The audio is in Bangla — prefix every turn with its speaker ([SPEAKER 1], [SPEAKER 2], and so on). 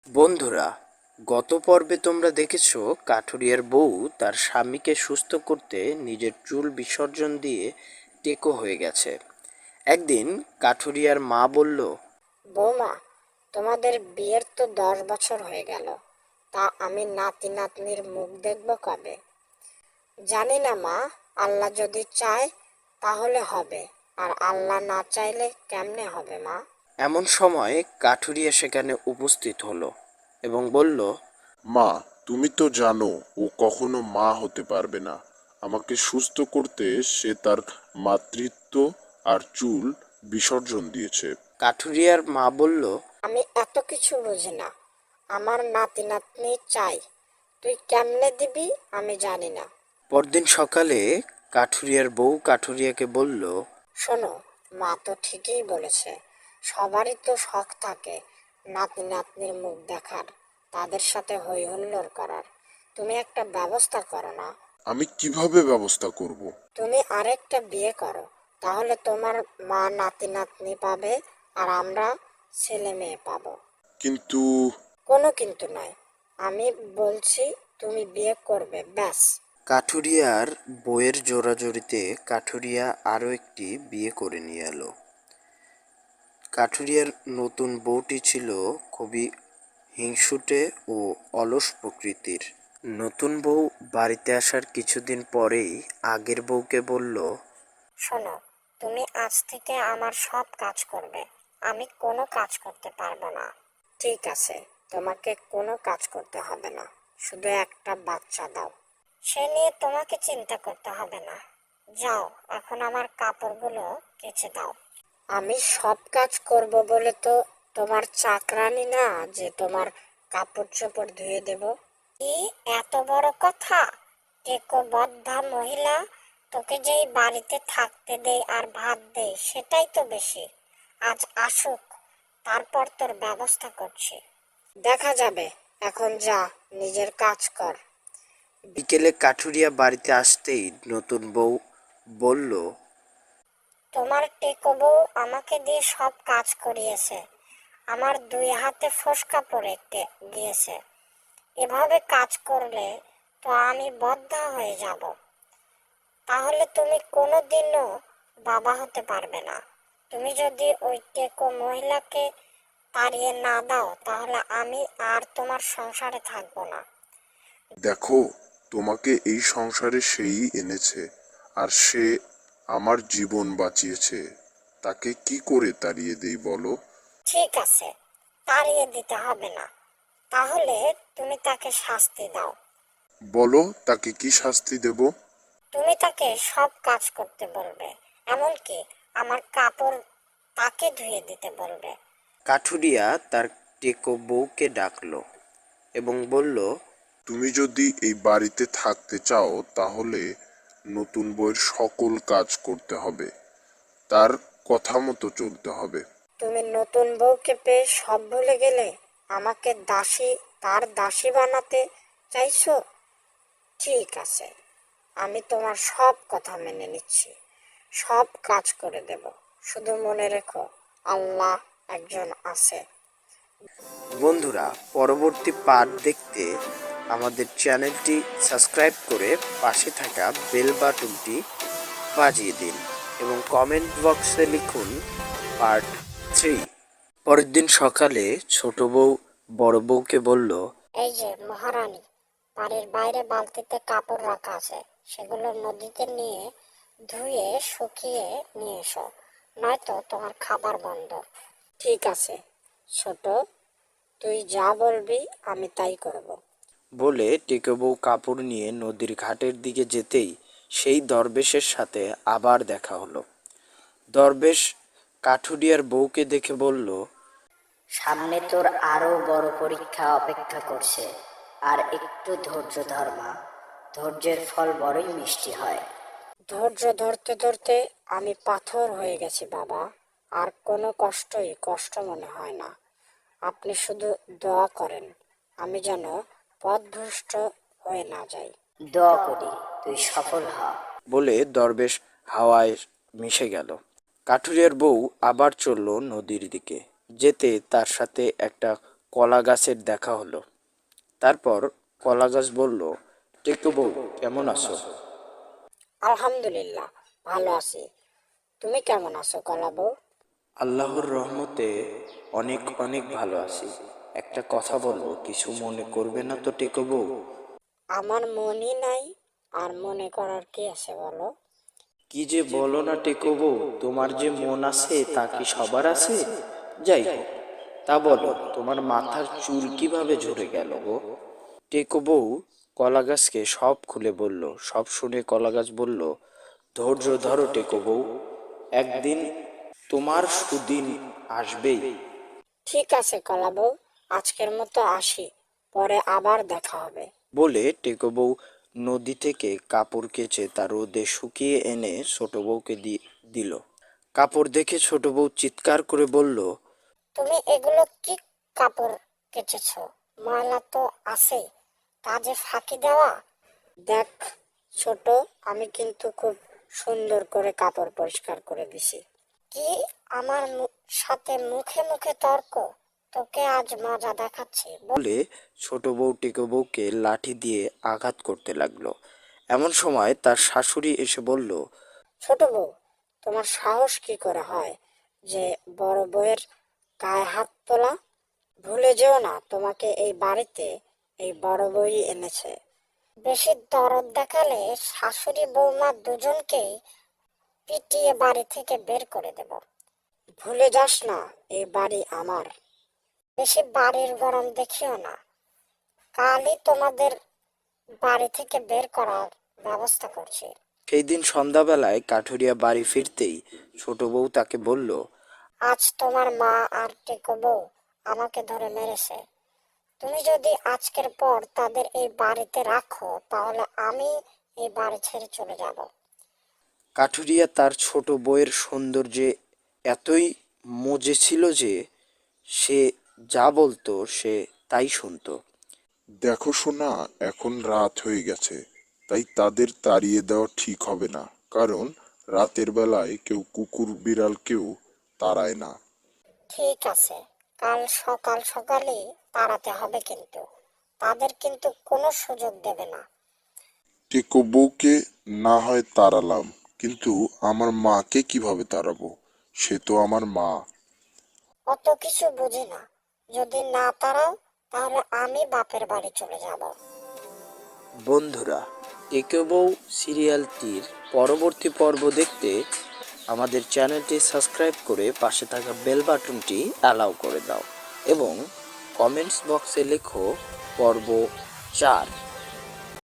[SPEAKER 1] বন্ধুরা, গত পর্বে তোমরা দেখেছো কাঠুরিয়ার বউ তার স্বামীকে সুস্থ করতে নিজের চুল বিসর্জন দিয়ে টেকো হয়ে গেছে। একদিন কাঠুরিয়ার মা বলল,
[SPEAKER 2] বৌমা, তোমাদের বিয়ের তো 10 বছর হয়ে গেল, তা আমি নাতি নাতনির মুখ দেখবো কবে? জানি না মা, আল্লাহ যদি চায় তাহলে হবে, আর আল্লাহ না চাইলে কেমনে হবে মা?
[SPEAKER 1] এমন সময় কাঠুরিয়া সেখানে উপস্থিত হলো এবং বলল,
[SPEAKER 3] মা, তুমি তো জানো ও কখনো মা হতে পারবে না। আমাকে সুস্থ করতে সে তার মাতৃত্ব আর চুল বিসর্জন দিয়েছে।
[SPEAKER 1] কাঠুরিয়ার মা বলল,
[SPEAKER 2] আমি এত কিছু বুঝি না, আমার নাতি নাতনি চাই, তুই কেমনে দিবি আমি জানি না।
[SPEAKER 1] পরদিন সকালে কাঠুরিয়ার বউ কাঠুরিয়াকে বলল,
[SPEAKER 2] শোনো, মা তো ঠিকই বলেছে, সবারই তো শখ থাকে নাতি নাতনির মুখ দেখার, তাদের সাথে হই হুল্লোড় করার। তুমি একটা ব্যবস্থা করো না?
[SPEAKER 3] আমি কিভাবে ব্যবস্থা করব?
[SPEAKER 2] তুমি আরেকটা বিয়ে করো, তাহলে তোমার মা নাতি নাতনি পাবে, আর আমরা ছেলে মেয়ে পাবো।
[SPEAKER 3] কিন্তু
[SPEAKER 2] কোনো কিন্তু নয়, আমি বলছি তুমি বিয়ে করবে, ব্যাস।
[SPEAKER 1] কাঠুরিয়ার বউয়ের জোরাজুরিতে কাঠুরিয়া আরও একটি বিয়ে করে নিয়ে এলো। কাঠুরিয়ার নতুন বউটি ছিল খুবই হিংসুটে ও অলস প্রকৃতির। নতুন বউ বাড়িতে আসার কিছুদিন পরেই আগের বউকে বলল,
[SPEAKER 2] শোনো, তুমি আজ থেকে আমার সব কাজ করবে, আমি কোনো কাজ করতে পারবো না। ঠিক আছে, তোমাকে কোনো কাজ করতে হবে না, শুধু একটা বাচ্চা দাও, সে নিয়ে তোমাকে চিন্তা করতে হবে না। যাও, এখন আমার কাপড়গুলো কেচে দাও। আমি সব কাজ করব বলে তো তোমার চাকরানি না যে তোমার কাপড় চোপড় ধুয়ে দেব। কি এত বড় কথা? টেকো বদ্ধা মহিলা, তোকে যেই বাড়িতে থাকতে দেই আর ভাত দেই সেটাই তো বেশি। আজ আসুক, তারপর তোর ব্যবস্থা করছি, দেখা যাবে। এখন যা, নিজের কাজ কর।
[SPEAKER 1] বিকেলে কাঠুরিয়া বাড়িতে আসতেই নতুন বউ বলল,
[SPEAKER 2] তোমার টেকো বউ আমাকে দিয়ে সব কাজ করিয়েছে, আমার 2 হাতে ফোসকা পড়ে গিয়েছে। এভাবে কাজ করলে তো আমি বদ্ধা হয়ে যাব, তাহলে তুমি কোনোদিনও বাবা হতে পারবে না। তুমি যদি ওই টেকো মহিলাকে তাড়িয়ে না দাও তাহলে আমি আর তোমার সংসারে থাকবো না।
[SPEAKER 3] দেখো, তোমাকে এই সংসারে সেই এনেছে, আর সে আমার জীবন বাঁচিয়েছে। তাকে কি করে তাড়িয়ে দেই বলো?
[SPEAKER 2] ঠিক আছে, তাড়িয়ে দিতে হবে না, তাহলে তুমি তাকে শাস্তি দাও।
[SPEAKER 3] বলো, তাকে কি শাস্তি দেব?
[SPEAKER 2] তুমি তাকে সব কাজ করতে বলবে, এমনকি আমার কাপড় তাকে ধুয়ে দিতে বলবে।
[SPEAKER 1] কাঠুরিয়া তার টেকো বউকে ডাকলো এবং বলল,
[SPEAKER 3] তুমি যদি এই বাড়িতে থাকতে চাও তাহলে নতুন বউয়ের সকল কাজ করতে হবে, তার কথা মতো চলতে হবে।
[SPEAKER 2] তুমি নতুন বউকে পেয়ে সব ভুলে গেলে, আমাকে দাসী, তার দাসী বানাতে চাইছো? ঠিক আছে, আমি তোমার সব কথা মেনে নিচ্ছি, সব কাজ করে দেব, শুধু মনে রেখো আল্লাহ একজন আছে।
[SPEAKER 1] বন্ধুরা, পরবর্তী পার্ট দেখতে আমাদের চ্যানেলটি সাবস্ক্রাইব করে পাশে থাকা বেল বাটনটি বাজিয়ে দিন এবং কমেন্ট বক্সে লিখুন পার্ট 3। পরের দিন সকালে ছোট বউ বড় বউকে বলল,
[SPEAKER 2] এই যে মহারানী, বাড়ির বাইরে বালতিতে কাপড় রাখা আছে, সেগুলো নদীতে নিয়ে ধুয়ে শুকিয়ে নিয়ে এসো, নয়তো তোমার খাবার বন্ধ। ঠিক আছে ছোট, তুই যা বলবি আমি তাই করব।
[SPEAKER 1] বলে টেকো বউ কাপড় নিয়ে নদীর ঘাটের দিকে যেতেই সেই দরবেশের সাথে আবার দেখা হলো। দরবেশ কাঠুরিয়ার বউকে দেখে বলল,
[SPEAKER 4] সামনে তোর আরো বড় পরীক্ষা অপেক্ষা করছে, আর একটু ধৈর্য ধর মা, ধৈর্যের ফল বড়ই মিষ্টি হয়।
[SPEAKER 2] ধৈর্য ধরতে ধরতে আমি পাথর হয়ে গেছি বাবা, আর কোনো কষ্টই কষ্ট মনে হয় না। আপনি শুধু দোয়া করেন আমি যেন পথভ্রষ্ট হয়ে না যাই।
[SPEAKER 4] দোয়া করি তুই সফল হ।
[SPEAKER 1] বলে দরবেশ হাওয়ায় মিশে গেল। কাঠুরিয়ার বউ আবার চলল নদীর দিকে। যেতে তার সাথে একটা কলা গাছের দেখা হলো। তারপর কলা গাছ বলল, টেকো বউ, কেমন আছো?
[SPEAKER 2] আলহামদুলিল্লাহ, ভালো আছি। তুমি কেমন আছো কলা বউ?
[SPEAKER 1] আল্লাহর রহমতে অনেক অনেক ভালো আছি। একটা কথা বলবো, কিছু মনে করবে না তো টেকো বউ?
[SPEAKER 2] আমার মনই নাই, আর মনে করার কি আছে বলো?
[SPEAKER 1] কি যে বলো না টেকো বউ, তোমার যে মন আছে তা কি সবার আছে? যাই হোক, তা বলো, তোমার মাথার চুল কিভাবে ঝরে গেল গো? টেকো বউ কলা গাছকে সব খুলে বলল। সব শুনে কলা গাছ বলল, ধৈর্য ধরো টেকো বউ, একদিন তোমার সুদিন আসবেই।
[SPEAKER 2] ঠিক আছে কলা বউ, আজকের মতো আসি, পরে আবার দেখা হবে।
[SPEAKER 1] বলে টেকো বউ নদী থেকে কাপড় কেচে তা রোদে শুকিয়ে এনে ছোট বউকে দিল। কাপড় দেখে ছোট বউ চিৎকার করে বলল,
[SPEAKER 2] তুমি এগুলো কি কাপড় কেচেছো? ময়লা তো আছে, কাজে ফাঁকি দেওয়া। দেখ ছোট, আমি কিন্তু খুব সুন্দর করে কাপড় পরিষ্কার করে দিছি। কি, আমার সাথে মুখে মুখে তর্ক? তোকে আজ মজা দেখাচ্ছি।
[SPEAKER 1] বলে ছোট বউ টেকো বউকে লাঠি দিয়ে আঘাত করতে লাগলো। এমন সময় তার শাশুড়ি এসে বলল,
[SPEAKER 2] ছোট বউ, তোমার সাহস কি করে হয় যে বড় বউয়ের গায়ে হাত তোলা? ভুলে যেও না, তোমাকে এই বাড়িতে এই বড় বউই এনেছে। বেশি দরদ দেখালে শাশুড়ি বৌমা দুজনকেই পিটিয়ে বাড়ি থেকে বের করে দেব। ভুলে যাস না, এই বাড়ি আমার। বেশি বাড়ির গরম দেখিও না, কালই তোমাদের বাড়ি থেকে বের করার ব্যবস্থা করছি।
[SPEAKER 1] সেই দিন সন্ধ্যাবেলায় কাঠুরিয়া বাড়ি ফিরতেই ছোট বউ তাকে বলল,
[SPEAKER 2] আজ তোমার মা আর টেকো বউ আমাকে ধরে মেরেছে। তুমি যদি আজকের পর তাদের এই বাড়িতে রাখো, তাহলে আমি এই বাড়ি ছেড়ে চলে যাব।
[SPEAKER 1] কাঠুরিয়া তার ছোট বউয়ের সৌন্দর্যে এতই মজে ছিল যে সে যা বলতো সে তাই শুনতো।
[SPEAKER 3] দেখো সোনা, এখন রাত হয়ে গেছে, তাই তাদের তাড়িয়ে দেওয়া ঠিক হবে না, কারণ রাতের বেলায় কেউ কুকুর বিড়ালকেও তাড়ায় না।
[SPEAKER 2] ঠিক আছে, কাল সকাল সকালে তাড়াতে হবে, কিন্তু তাদের কিন্তু কোনো সুযোগ দেবে না।
[SPEAKER 3] টেকো বউকে না হয় তাড়ালাম, কিন্তু আমার মাকে কিভাবে তাড়াবো? সে তো আমার মা।
[SPEAKER 2] অত কিছু বুঝি না, যদি না তাড়াও তাহলে আমি বাপের বাড়ি চলে যাব।
[SPEAKER 1] বন্ধুরা, টেকো বউ সিরিয়ালটির পরবর্তী পর্ব দেখতে আমাদের চ্যানেলটি সাবস্ক্রাইব করে পাশে থাকা বেল বাটনটি অ্যালাউ করে দাও এবং কমেন্টস বক্সে লেখো পর্ব 4।